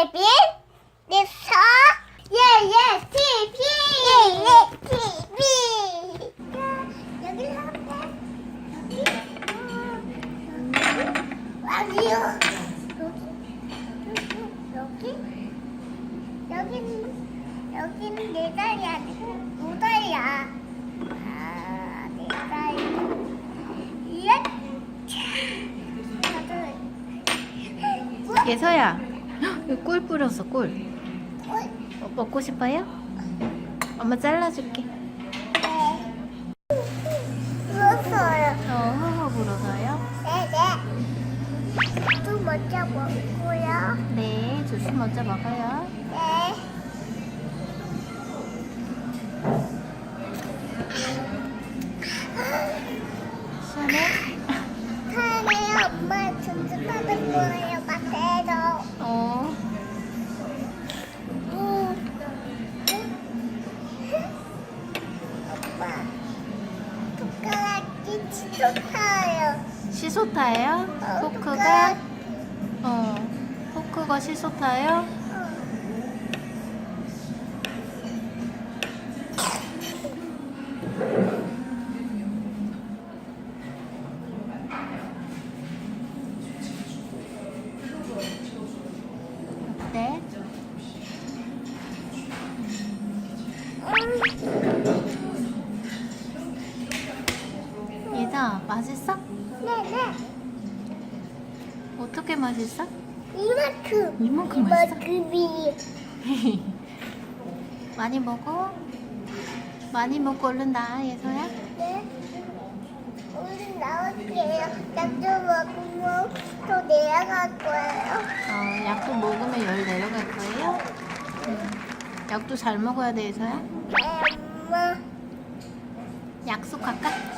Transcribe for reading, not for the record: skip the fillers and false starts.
TV 리서 예예 TV 예예 TV 여기 하면 아니요 여기는 내 다리 아니고 두 다리야. 아, 내 다리. 예. 예서야, 여기 꿀 뿌렸어, 꿀. 먹고 싶어요? 엄마 잘라줄게. 불었어요. 허허 불어서요? 네네. 또 먼저 먹고요. 네, 주스 먼저 먹어요. 네. 시원해? 사랑해요. 엄마 전주받은 거예요. 마세요. 어. 엄마 손가락이 치솟아요. 시소타예요? 포크가? 포크가 시소타예요? 어때? 얘다 맛있어? 네네. 어떻게 맛있어? 이만큼. 이만큼 맛있어? 이만큼이. 많이 먹어? 많이 먹고 얼른 나, 예서야? 네. 오늘 나올게요. 약도 먹으면 더 내려갈 거예요. 약도 먹으면 열 내려갈 거예요? 약도 잘 먹어야 돼, 예서야? 네, 엄마. 약속할까?